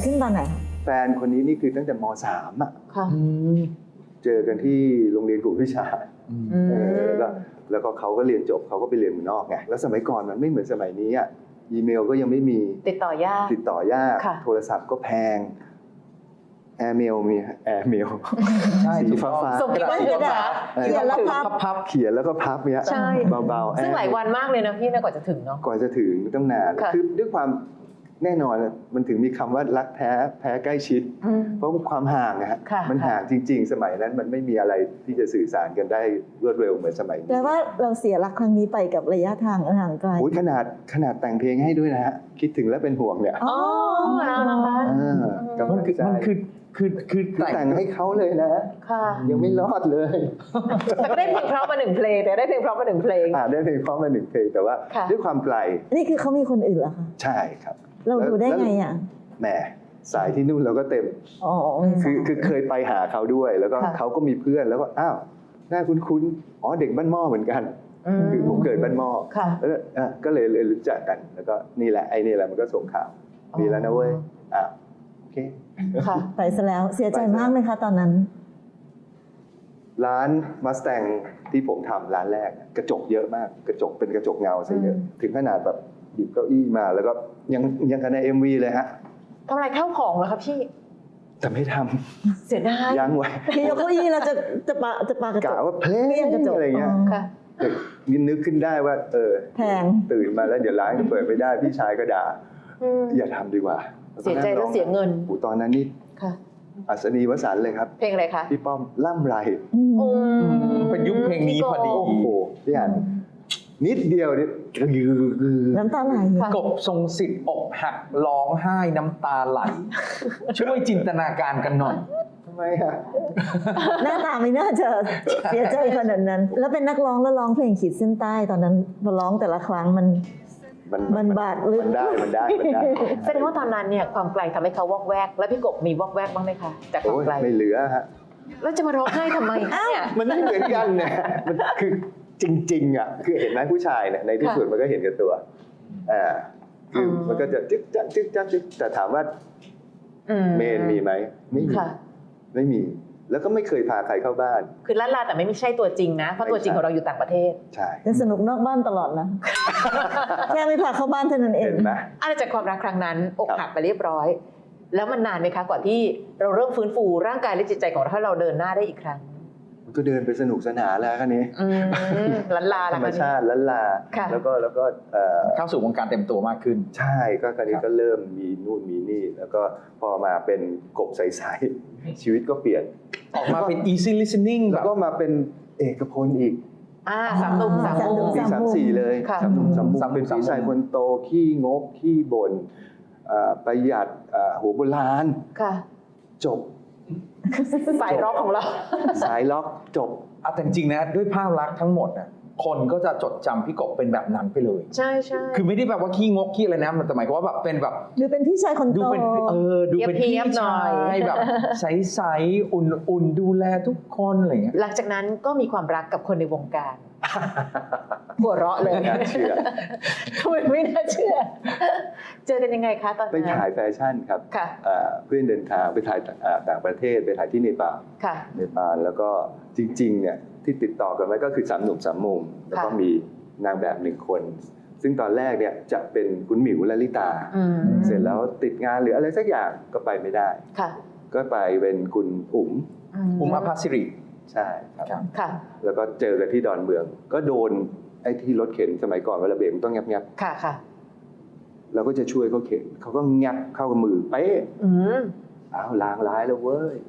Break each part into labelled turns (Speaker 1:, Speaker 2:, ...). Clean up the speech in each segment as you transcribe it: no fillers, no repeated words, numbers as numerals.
Speaker 1: ขึ้นตอนไหนคะ
Speaker 2: แฟนคนนี้นี่คือตั้งแต่ม.3 อ่ะเจอกันที่โรงเรียนกลุ่มวิชาแล้วก็เขาก็เรียนจบเขาก็ไปเรียนเมืองนอกไงแล้วสมัยก่อนมันไม่เหมือนสมัยนี้อ่ะอีเมลก็ยังไม่มี
Speaker 3: ติดต่อยาก
Speaker 2: โทรศัพท์ก็แพงแอร์เมลมีแอร์เมลสีฟ้า
Speaker 3: ส่งกี่วันเลยนะ
Speaker 1: เขียนแล้วพับ
Speaker 2: เขียนแล้วก็พับเนี้ยเบาๆ
Speaker 3: ซึ่งหลายวันมากเลยนะพี่นะกว่าจะถึงเนาะ
Speaker 2: ก่อนจะถึงต้องนานคือด้วยความแน่นอนมันถึงมีคำว่ารักแพ้ใกล้ชิดเพราะความห่างนะฮะมันห่างจริงๆสมัยนั้นมันไม่มีอะไรที่จะสื่อสารกันได้รวดเร็วเหมือนสมัยนี้
Speaker 1: แต่ว่าเราเสียรักครั้งนี้ไปกับระยะทางห่างไกล
Speaker 2: ขนาดแต่งเพลงให้ด้วยนะฮะคิดถึงและเป็นห่วงเนี่ย
Speaker 3: นะคะ
Speaker 2: มันคือแต่งให้เขาเลยนะยังไม่รอดเลย
Speaker 3: แต่ก็ได้เพลงเพราะมา1 เพลงแต่ได้เพลงเพราะมา1 เพลง
Speaker 2: ได้เพลงเพราะมา1 เพลงแต่ว่าด้วยความไกล
Speaker 1: นี่คือเขามีคนอื่นเหรอคะ
Speaker 2: ใช่ครับ
Speaker 1: เราดูได้ไงอ่ะ
Speaker 2: แหมสายที่นู่นเราก็เต็มคือเคยไปหาเขาด้วยแล้วก็เขาก็มีเพื่อนแล้วก็อ้าวหน้าคุ้นๆอ๋อเด็กบ้านหม้อเหมือนกันคือผมเกิดบ้านหม้อแล้วก็เลยรู้จักกันแล้วก็นี่แหละไอ้นี่แหละมันก็ส่งข่าวมีแล้วนะเว้ยโอเค
Speaker 1: ไปซะแล้วเสียใจมากไหมคะตอนนั้น
Speaker 2: ร้านมัสแตงที่ผมทำร้านแรกกระจกเยอะมากกระจกเป็นกระจกเงาซะเยอะถึงขนาดแบบหยิบเก้าอี้มาแล้วก็ยังกันใน MV เลยฮะ
Speaker 3: ทำอะไรเข้าของเหรอครับพี่
Speaker 2: แต่ไม่ท
Speaker 3: ำเสียดาย
Speaker 2: ยังไว้
Speaker 1: ยกเก้าอี้เราจะปากระจก
Speaker 2: กะว่าเพลงอะไรเงี้ยนึกขึ้นได้ว่า
Speaker 1: แพง
Speaker 2: ตื่นมาแล้วเดี๋ยวร้านก็เปิดไม่ได้พี่ชายก็ด่าอย่าทำดีกว่า
Speaker 3: เสียใจแล้วเสียเงิน
Speaker 2: ตอนนั้นนี่อัศนีวสันต์เลยครับ
Speaker 3: เพลงอะไรคะ
Speaker 2: พี่ป้อมล่ำไร
Speaker 4: เป็นยุคเพลงนี้พอดี
Speaker 2: โอ้โหพี่อันนิดเดียวนี่
Speaker 1: น้ำตาไหล
Speaker 4: กบทรงสิทธิ์อกหักร้องไห้น้ำตาไหลช่วยจินตนาการกันหน่อย
Speaker 2: ทำไมอ่ะ
Speaker 1: หน้าตาไม่น่าจะเสียใจขนาดนั้นแล้วเป็นนักร้องแล้วร้องเพลงขีดเส้นใต้ตอนนั้นพอร้องแต่ละครั้งมันบาดลึก
Speaker 2: มันได้
Speaker 3: แสดงว่าตอนนั้นเนี่ยความไกลทำให้เขาวอกแวกแล้วพี่กบมีวอกแวกบ้างไหมคะจากความไกล
Speaker 2: ไม่เหลือฮะ
Speaker 3: แล้วจะมาร้องไห้ทำไมเนี่ย
Speaker 2: มันไม่เหมือนกันเนี่ยมันคือจริงๆอ่ะคือเห็นไหมผู้ชายเนี่ยในที่สุดมันก็เห็นกับตัวคือมันก็จะจึ๊กจั๊กจึ๊กจั๊กแต่ถามว่าเมนมีไหมไม่มีแล้วก็ไม่เคยพาใครเข้าบ้าน
Speaker 3: คือลั่นลาแต่ไม่ใช่ตัวจริงนะเพราะตัวจริงของเราอยู่ต่างประเทศ
Speaker 2: ใช่
Speaker 1: สนุกนอกบ้านตลอดนะแค่ไม่พาเข้าบ้านเท่านั้นเอง
Speaker 2: เห็นไหม
Speaker 3: อะไรจากความรักครั้งนั้นอกหักไปเรียบร้อยแล้วมันนานไหมคะก่อนที่เราเริ่มฟื้นฟูร่างกายและจิตใจของเราให้เราเดินหน้าได้อีกครั้ง
Speaker 2: มันก็เดินไปสนุกสนานแล้วคันนี้
Speaker 3: ลั่นลา
Speaker 2: ธรรมชาติลั่นลาแล้วก็
Speaker 4: เข้าสู่วงการเต็มตัวมากขึ้น
Speaker 2: ใช่ก็คันนี้ก็เริ่มมีนู่นมีนี่แล้วก็พอมาเป็นกบใสๆชีวิตก็เปลี่ยน
Speaker 4: ออกมาเป็น easy listening
Speaker 2: แล้วก็มาเป็นเอกพลอีก
Speaker 3: 3 หนุ่ม 3 มุม
Speaker 2: ปี 3-4เลย3 หนุ่ม 3 มุมเป็นพี่ชายคนโตขี้งกขี้บ่นประหยัดหัวโบราณจบ
Speaker 3: สายล็อกของเรา
Speaker 2: สายล็อกจบ
Speaker 4: แต่จริงๆนะด้วยภาพลักษณ์ทั้งหมดนะคนก็จะจดจำพี่กบเป็นแบบนั้นไปเลย
Speaker 3: ใช่
Speaker 4: คือไม่ได้แบบว่าขี้งกขี้อะไรนะมันแต่หมายความว่าแบบเป็นแบบ
Speaker 1: ดูเป็นพี่ชายคนโต
Speaker 4: ดูเป็นพี่ชายแบบใสๆอุ่นๆดูแลทุกคนอะไรเงี้ย
Speaker 3: หลังจากนั้นก็มีความรักกับคนในวงการหัวเราะเลย
Speaker 2: ไม่น่าเชื่อ
Speaker 3: ไม่น่าเชื่อเจอกันยังไงคะตอนนั้น
Speaker 2: ไปถ่ายแฟชั่นครับเพื่อนเดินทางไปถ่ายต่างประเทศไปถ่ายที่เนปาลแล้วก็จริงๆเนี่ยที่ติดต่อกันไว้ก็คือ3 หนุ่ม 3 มุมแล้วก็มีนางแบบ1 คนซึ่งตอนแรกเนี่ยจะเป็นคุณหมิวลลิตาเสร็จแล้วติดงานหรืออะไรสักอย่างก็ไปไม่ได้ก็ไปเป็นคุณอุ๋ม
Speaker 4: อภาสิริ
Speaker 2: ใช่ครับแล้วก็เจอกันที่ดอนเมืองก็โดนไอ้ที่รถเข็นสมัยก่อนเวลาเบรกมันต้องงับเราก็จะช่วยเขาเข็นเขาก็งับเข้ากับมือเป๊ะล้างร้ายแล้วเว้ย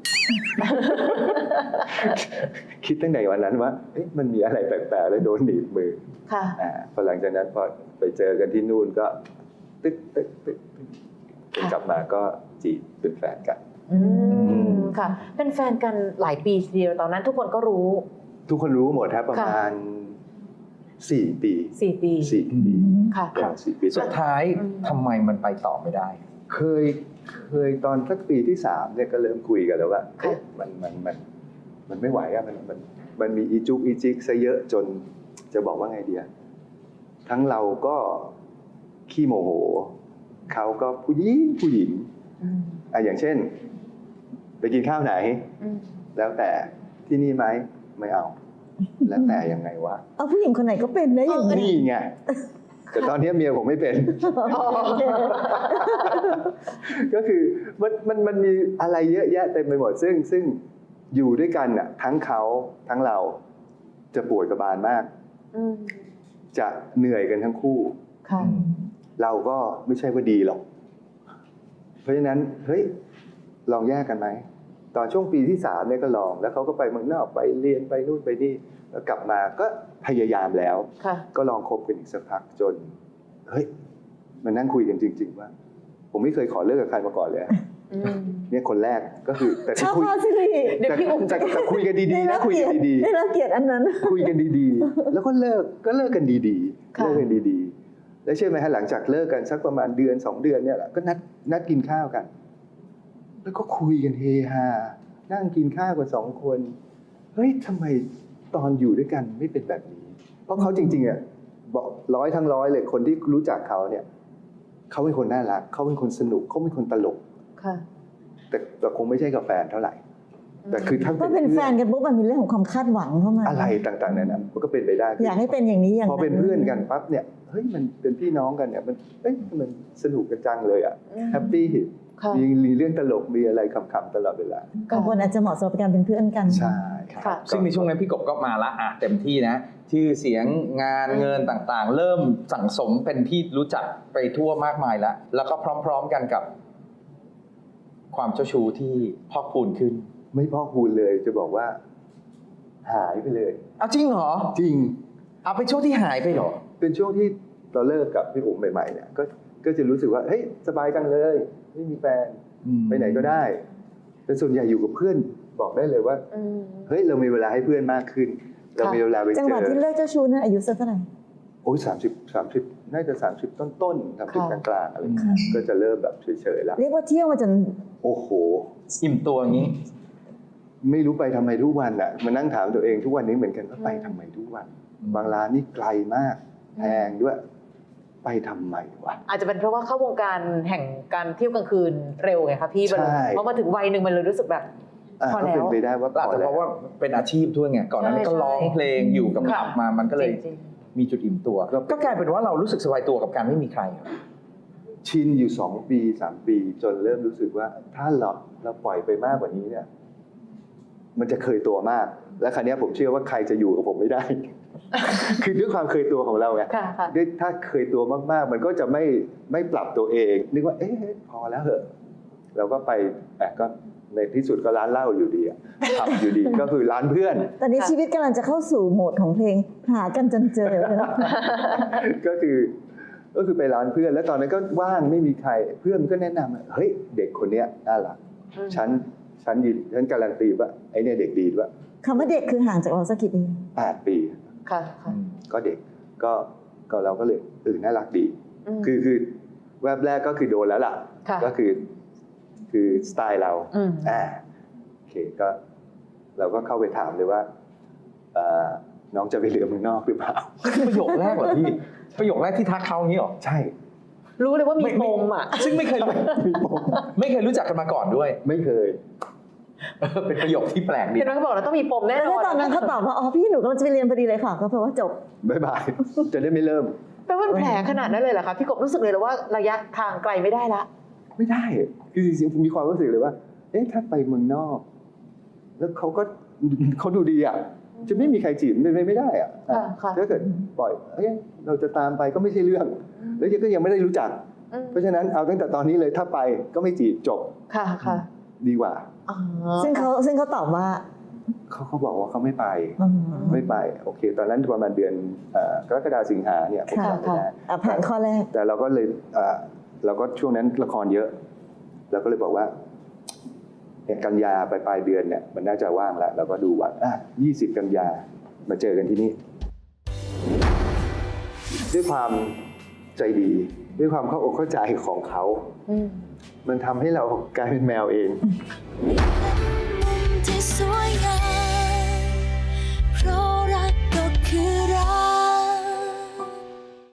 Speaker 2: คิดตั้งแต่วันนั้นว่ามันมีอะไรแปลกๆแล้วโดนหนีบมือพอหลังจากนั้นพอไปเจอกันที่นู่นก็ตึ๊กกลับมาก็จีบเป็นแฟนกัน
Speaker 3: ค่ะเป็นแฟนกันหลายปีทีเดียวตอนนั้นทุกคนก็รู้
Speaker 2: หมดครับประมาณ4 ปี
Speaker 3: ค่ะ
Speaker 2: 4 ปี
Speaker 4: สุดท้ายทำไมมันไปต่อไม่ได้
Speaker 2: เคยตอนสักปีที่3เนี่ยก็เริ่มคุยกันแล้วว่ามันไม่ไหวอะมันมีอีจุกอีจิกซะเยอะจนจะบอกว่าไงดีทั้งเราก็ขี้โมโหเขาก็ผู้หญิงอย่างเช่น ไปกินข้าวไหน แล้วแต่ที่นี่ไหมไม่เอา แล้วแต่ยังไงวะ
Speaker 1: เอาผู้หญิงคนไหนก็เป็นนะอย่างนี้
Speaker 2: นี่ไงแต่ตอนนี้เมียผมไม่เป็น ก็คือมันมีอะไรเยอะแยะเต็มไปหมดซึ่งอยู่ด้วยกันน่ะทั้งเขาทั้งเราจะปวดกระบาลมากจะเหนื่อยกันทั้งคู่
Speaker 3: ค่ะ
Speaker 2: เราก็ไม่ใช่ว่าดีหรอก เพราะฉะนั้นเฮ้ยลองแยกกันไหมตอนช่วงปีที่3เนี่ยก็ลองแล้วเขาก็ไปเมืองนอกไปเรียนไปนู่นไปนี่แล้วกลับมาก็พยายามแล้ว
Speaker 3: ค่ะ
Speaker 2: ก็ลองคบกันอีกสักพักจนเฮ้ยมานั่งคุยกันจริงๆว่าผมไม่เคยขอเลิกกับใครมาก่อนเลยอะเนี่ยคนแรกก็คือแต่
Speaker 1: ชอบ
Speaker 2: คุย
Speaker 1: พ่อสิริ
Speaker 3: เดี๋ยวพี่อุ๋มจะ
Speaker 2: แต่คุยกันดีๆนะคุยกันดี
Speaker 1: ได้รับเกียรติอันนั้น
Speaker 2: ๆคุยกันดีๆแล้วก็เลิกกันดีๆ
Speaker 3: ค่ะ
Speaker 2: เลิกกันดีๆแล้วเชื่อไหมฮะหลังจากเลิกกันสักประมาณเดือน2 เดือนเนี่ยแหละก็นัดกินข้าวกัน แล้วก็คุยกันเฮฮานั่งกินข้าวกัน2 คนเฮ้ยทำไมตอนอยู่ด้วยกันไม่เป็นแบบนี้ เพราะเขาจริงๆอ่ะบอก100 ทั้ง 100เลยคนที่รู้จักเขาเนี่ยเขาเป็นคนน่ารักเขาเป็นคนสนุกเขาเป็นคนตลก
Speaker 3: ค่ะ
Speaker 2: แต่คงไม่ใช่กับแฟนเท่าไหร่แต่คือถ้า
Speaker 1: ก็เป็นแฟนกันปุ๊บมันมีเรื่องของความคาดหวังเข้ามา
Speaker 2: อะไรต่างๆนั้นมันก็เป็นไปได้
Speaker 1: อยากให้เป็นอย่างนี้อย่าง
Speaker 2: พ
Speaker 1: นั้
Speaker 2: อน เป็นเพื่อนกันปั๊บเนี่ยเฮ้ยมันเป็นพี่น้องกันเนี่ยมันสนุกกันจังเลยอ่ะแฮปปี้
Speaker 3: ค่ะ
Speaker 2: มีเรื่องตลกมีอะไรขำๆตลอดเวลา
Speaker 1: บางคนอาจจะเหมาะสมกับการเป็นเพื่อนกัน
Speaker 2: ใช่
Speaker 3: ค่ะ
Speaker 4: ซึ่งในช่วงนั้นพี่กบก็มาละเต็มที่นะชื่อเสียงงานเงินต่างๆ เริ่มสั่งสมเป็นที่รู้จักไปทั่วมากมายแล้วก็พร้อมๆกันกับ ความเจ้าชู้ที่พอกพูนขึ้น
Speaker 2: ไม่พอกพูนเลยจะบอกว่าหายไปเลย
Speaker 4: เอาจริงเหรอ
Speaker 2: จริง
Speaker 4: เอาเป็นช่วงที่หายไปเหรอ
Speaker 2: เป็นช่วงที่เราเลิกกับพี่อุ๋มใหม่ๆเนี่ยก็จะรู้สึกว่าเฮ้ยสบายจังเลยไม่มีแฟนไปไหนก็ได้แต่ส่วนใหญ่อยู่กับเพื่อนบอกได้เลยว่าเฮ้ยเรามีเวลาให้เพื่อนมากขึ้น เรามีเวลาไปเจอ
Speaker 1: จังหวะที่เลิกเจ้าชู้นั้นอายุสักเท่าไหร่
Speaker 2: โอ้ย30น่าจะ30ต้นๆ30กลางๆอะไรอย่างเงี้ยก็จะเริ่มแบบเฉยๆแล้ว
Speaker 1: เรียกว่าเที่ยวมาจน
Speaker 2: โอ้โห
Speaker 4: อิ่มตัวอย่างนี้
Speaker 2: ไม่รู้ไปทำไมทุกวันอ่ะมานั่งถามตัวเองทุกวันนี้เหมือนกันว่าไปทำไมทุกวัน บางร้านนี่ไกลมากแพงด้วยไปทำไมวะ
Speaker 3: อาจจะเป็นเพราะว่าเข้าวงการแห่งการเที่ยวกลางคืนเร็วไงคะพี่
Speaker 2: ใช่
Speaker 3: เพราะมาถึงวัยหนึ่งมันเลยรู้สึกแบบ พอ
Speaker 2: ก็
Speaker 3: แล้ว
Speaker 2: เป็นไปได้ว่าพ
Speaker 4: อาจ
Speaker 2: อ
Speaker 4: จะ
Speaker 2: แล้
Speaker 4: เพ
Speaker 2: ว
Speaker 4: ราะว่าเป็นอาชีพด้วยไงก่อนหน้านั้นก็
Speaker 3: ใช่
Speaker 4: ร้องเพลงอยู่กับ
Speaker 3: ค่ะ
Speaker 4: ขับมามันก็เลย
Speaker 3: จริง
Speaker 4: มีจุดอิ่มตัว ก็กลายเป็นว่าเรารู้สึกสบายตัวกับการไม่มีใครเหรอ
Speaker 2: ชินอยู่2 ปี 3 ปีจนเริ่มรู้สึกว่าถ้าเราปล่อยไปมากกว่านี้เนี่ย มันจะเคยตัวมาก และครั้นี้ผมเชื่อว่าใครจะอยู่กับผมไม่ได้ คือด้วยความเคยตัวของเราไง
Speaker 3: ค่ะค่ะ
Speaker 2: ด้วยถ้าเคยตัวมากๆ มันก็จะไม่ปรับตัวเองนึกว่าเอ๊ะพอแล้วเหอะเราก็ไปก็ในที่สุดก็ร้านเหล้าอยู่ดีอะขับอยู่ดี ก็คือร้านเพื่อน
Speaker 1: ตอนนี้ชีวิตกำลังจะเข้าสู่โหมดของเพลงหากันจนเจอ
Speaker 2: ก็คือไปร้านเพื่อน แล้วตอนนั้นก็ว่างไม่มีใครเพื่อนมันก็แนะนำว่าเฮ้ยเด็กคนเนี้ยน่ารักฉันการันตีว่าไอ้เนี่ยเด็กดีด้วย
Speaker 1: คำว่าเด็กคือห่างจากเราสักกี่ปี
Speaker 2: 8 ปี
Speaker 3: ค่ะค่ะ
Speaker 2: ก็เด็กก็เราก็เลยน่ารักดี
Speaker 3: ม
Speaker 2: คือแวบแรกก็คือโดนแล้วล่ะ
Speaker 3: ค่ะ
Speaker 2: ก็คือสไตล์เรา
Speaker 3: อืม
Speaker 2: โอเคก็เราก็เข้าไปถามเลยว่าน้องจะไปเรียนเมืองนอกหรือเปล่า
Speaker 4: ประโยคแรกเหรอพี่ประโยคแรกที่ทักเขาอย่างนี้เหรอ
Speaker 2: ใช่
Speaker 3: รู้เลยว่ามีปมอ่ะ
Speaker 4: ซึ่งไม่เคยรู้จักกันมาก่อนด้วย
Speaker 2: ไม่เคย
Speaker 4: เป็นประโยคที่แปลกดี
Speaker 3: เห็นไหมเขาบอกแล้วต้องมีปมแน่น
Speaker 1: แล้ว
Speaker 3: อน
Speaker 1: ตอนนั้นเขาตอบว่าอ๋อพี่หนูกำลังจะไปเรียนพอดีเลยค่ะก็แปลว่าจบ
Speaker 2: บ๊ายบาย จะได้ไม่เริ่ม
Speaker 3: แปลว่าแผลขนาดนั้นเลยเหรอคะพี่กบรู้สึกเลยว่าระยะทางไกลไม่ได้ละ
Speaker 2: ไม่ได้ คือจริงๆมีความรู้สึกเลยว่า เอ๊ะถ้าไปเมืองนอก แล้วเขาดูดีอ่ะ จะไม่มีใครจีบไม่ได้อ่ะ
Speaker 3: ค่ะค่ะ
Speaker 2: ถ้าเกิดปล่อยเราจะตามไปก็ไม่ใช่เรื่อง แล้วก็ยังไม่ได้รู้จัก เพราะฉะนั้นเอาตั้งแต่ตอนนี้เลยถ้าไปก็ไม่จีบจบ
Speaker 3: ค่ะค่ะ
Speaker 2: ดีกว่า
Speaker 3: อ๋อ
Speaker 1: ซึ่งเขาตอบว่า
Speaker 2: เขาบอกว่าเขาไม่ไป
Speaker 1: อืม
Speaker 2: ไม่ไปโอเค ตอนนั้นประมาณเดือนกรกฎาสิงหาเนี่ยผม
Speaker 1: ค่ะ
Speaker 2: จำไม่ได้
Speaker 1: ผ่านข้อแรก
Speaker 2: แต่เราก็เลยเราก็ช่วงนั้นละครเยอะเราก็เลยบอกว่าเนี่ยกันยาปลายเดือนเนี่ยมันน่าจะว่างแล้วเราก็ดูวัน20 กันยามาเจอกันที่นี่ด้วยความใจดีด้วยความเข้าอกเข้าใจของเขา มันทำให้เรากลายเป็นแมวเอง
Speaker 3: ค